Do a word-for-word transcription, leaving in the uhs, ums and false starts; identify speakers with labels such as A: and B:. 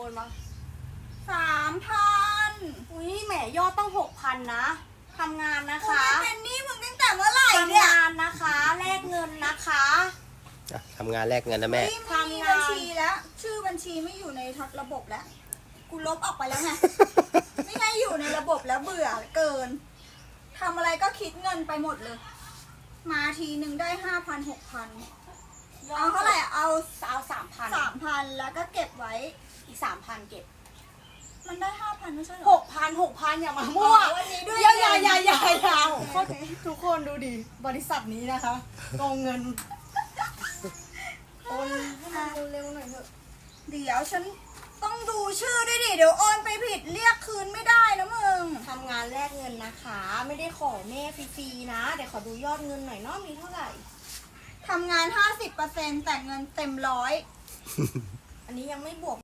A: อนมา
B: สามพัน
A: อุ้ยแหมยอดต้องหกพันนะทำงานนะ
B: กู
A: คะ
B: ไม่เป็นหนี้มึงตั้งแต่เมื่อไหร่
A: ทำ
B: เนี่ย
A: งานนะคะแลกเงินนะคะ
C: อ่ะทำงานแลกเงินนะแม่
B: เฮ้ยไม่มีบัญชีแล้ว ชื่อบัญชีไม่อยู่ในระบบแล้ว กูลบออกไปแล้วไง ไม่ให้อยู่ในระบบแล้วเบื่อเกินทำอะไรก็คิดเงินไปหมดเลย มาทีหนึ่งได้ห้าพันหกพันเอาเท่าไหร่เอา
A: เอาสามพัน
B: สามพันแล้วก็เก็บไว้
A: อีกสามพันเก็บ
B: มันได้ห้าพันไม่ใช่เหร
A: ห
B: อก
A: พันหกพันอย่ามามั่ว
B: อ๋อวันนี้ด้วย
A: อย่าอย่า
B: เงิน
A: อย่าอย่าอย่าทุกคนดูดิบริษัทนี้นะคะโกงเงินโอนให้มันเร็วๆหน่อยเถอะ
B: เดี๋ยวฉันต้องดูชื่อด้วยดิ เดี๋ยวโอนไปผิดเรียกคืนไม่ได้นะมึง
A: ทำงานแลกเงินนะคะ ไม่ได้ขอแม่ฟรีๆนะเดี๋ยวขอดูยอดเงินหน่อยเนาะมีเท่าไหร่
B: ทำงาน ห้าสิบเปอร์เซ็นต์ แต่เงินเต็มร้อย
A: อันนี้ยังไม่บวก